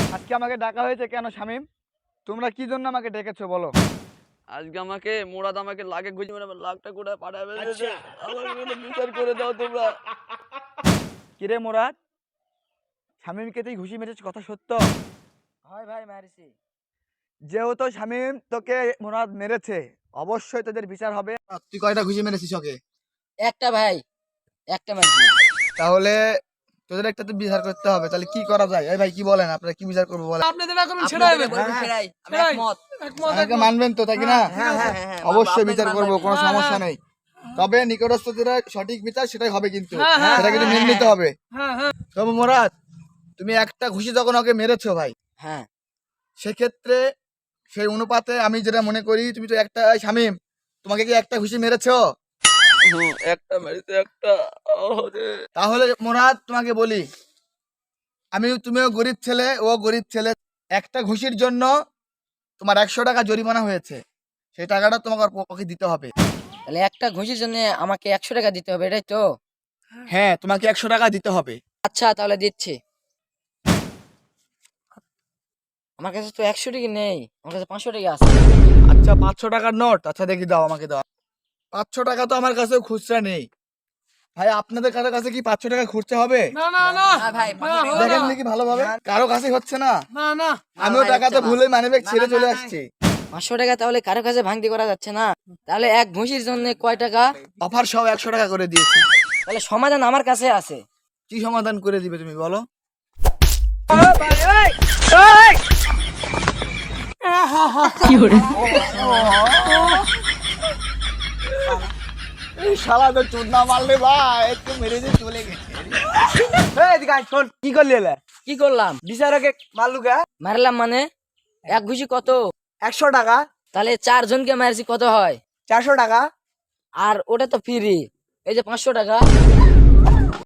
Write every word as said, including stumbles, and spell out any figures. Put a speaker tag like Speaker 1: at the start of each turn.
Speaker 1: আজকে আমাকে ডাকা হয়েছে কেন শামিম? তোমরা কি জন্য আমাকে ডেকেছো বলো?
Speaker 2: আজকে আমাকে মুরাদ আমাকে লাখে ঘুষি মেরে আমার লাখটা করে পাঠায় ফেলেছে। আমার কোনো বিচার করে দাও তোমরা।
Speaker 1: কিরে মুরাদ, শামিমকে তুই ঘুষি মেরেছিস, কথা সত্য?
Speaker 3: হয় ভাই মারিছি।
Speaker 1: যেহেতু শামিম তোকে মুরাদ মেরেছে, অবশ্যই তোদের বিচার হবে। তুই কয়টা ঘুষি মেরেছিস ওকে?
Speaker 3: একটা ভাই, একটা মারছি।
Speaker 1: তাহলে তোদের একটা তো বিচার করতে হবে। তাহলে কি করা যায়? এই ভাই কি বলেন, আপনারা কি বিচার করবো বলেন?
Speaker 4: আপনি যেটা করুন সেটাই হবে।
Speaker 3: বলবেন সেটাই, আমি
Speaker 4: সেটাই।
Speaker 3: একমত।
Speaker 4: একমত,
Speaker 1: আমাকে
Speaker 4: একমত।
Speaker 1: মানবেন তো, তাই কি না?
Speaker 3: হ্যাঁ, হ্যাঁ, হ্যাঁ, হ্যাঁ,
Speaker 1: অবশ্যই
Speaker 3: আপনাকে
Speaker 1: বিচার করবো,
Speaker 3: মানবেন।
Speaker 1: কোনো
Speaker 4: হ্যাঁ,
Speaker 1: সমস্যা
Speaker 4: হ্যাঁ।
Speaker 1: নেই। তবে নিকটস্থ যেটা সঠিক বিচার সেটাই হবে, কিন্তু
Speaker 4: হ্যাঁ, হ্যাঁ,
Speaker 1: সেটা কিন্তু মেনে নিতে হবে।
Speaker 4: হ্যাঁ, হ্যাঁ।
Speaker 1: তবে মুরাদ, তুমি একটা ঘুষি যখন ওকে মেরেছো ভাই,
Speaker 3: হ্যাঁ,
Speaker 1: সেক্ষেত্রে সেই অনুপাতে আমি যেটা মনে করি, তুমি তো একটা, এই শামিম তোমাকে কি একটা ঘুষি মেরেছো?
Speaker 2: হুম, একটা মেরেছে একটা। ওহ রে।
Speaker 1: তাহলে মুরাদ তোমাকে বলি, আমি, তুমিও গরিব ছেলে, ও গরিব ছেলে, একটা ঘুষির জন্য তোমার একশো টাকা জরিমানা হয়েছে। সেই টাকাটা তোমাকে ওর পক্ষে দিতে হবে।
Speaker 3: তাহলে একটা ঘুষির জন্য আমাকে একশো টাকা দিতে হবে, এটাই তো?
Speaker 1: হ্যাঁ, তোমাকে একশো টাকা দিতে হবে।
Speaker 3: আচ্ছা তাহলে দিচ্ছি। আমার কাছে তো একশো টাকা নেই, আমার কাছে পাঁচশো টাকা আছে।
Speaker 1: আচ্ছা, পাঁচশো টাকার নোট? আচ্ছা দেখি, দাও আমাকে, দাও। পাঁচশো টাকা তো আমার কাছে খুচরা নেই ভাই। আপনাদের কারো কাছে কি পাঁচশো টাকা খুঁজতে হবে?
Speaker 4: না না না
Speaker 3: না ভাই,
Speaker 4: না,
Speaker 3: পাঁচশো টাকা
Speaker 4: হবে
Speaker 1: দেখেন
Speaker 4: না।
Speaker 1: দেখি ভালোভাবে, কারো কাছে হচ্ছে না।
Speaker 4: না না
Speaker 1: আমিও
Speaker 3: ভাই,
Speaker 1: টাকা তো
Speaker 3: হচ্ছে না।
Speaker 1: ভুলে মানিব্যাগ ছেড়ে
Speaker 3: না,
Speaker 1: চলে
Speaker 3: না,
Speaker 1: আসছি।
Speaker 3: পাঁচশো টাকা তাহলে কারো কাছে ভাঙতি করা যাচ্ছে না। তাহলে এক ঘুষির জন্য কয় টাকা?
Speaker 1: অফার সহ একশো টাকা করে দিয়েছি।
Speaker 3: তাহলে সমাধান আমার কাছে আছে।
Speaker 1: কি সমাধান করে দিবে তুমি বলো? এই শালা তো চুদনা মারলে ভাই, একটু মেরে দিয়ে চলে গেছে। এই এদিকে আয়, শোন, কি করলি এলা?
Speaker 3: কি করলাম?
Speaker 1: বিচারকে মারলু কে?
Speaker 3: মারলাম মানে? এক ঘুষি কত?
Speaker 1: একশো টাকা।
Speaker 3: তাহলে চারজনকে মারছি, কত হয়?
Speaker 1: চারশো টাকা।
Speaker 3: আর ওটা তো ফ্রি, এই যে পাঁচশো টাকা।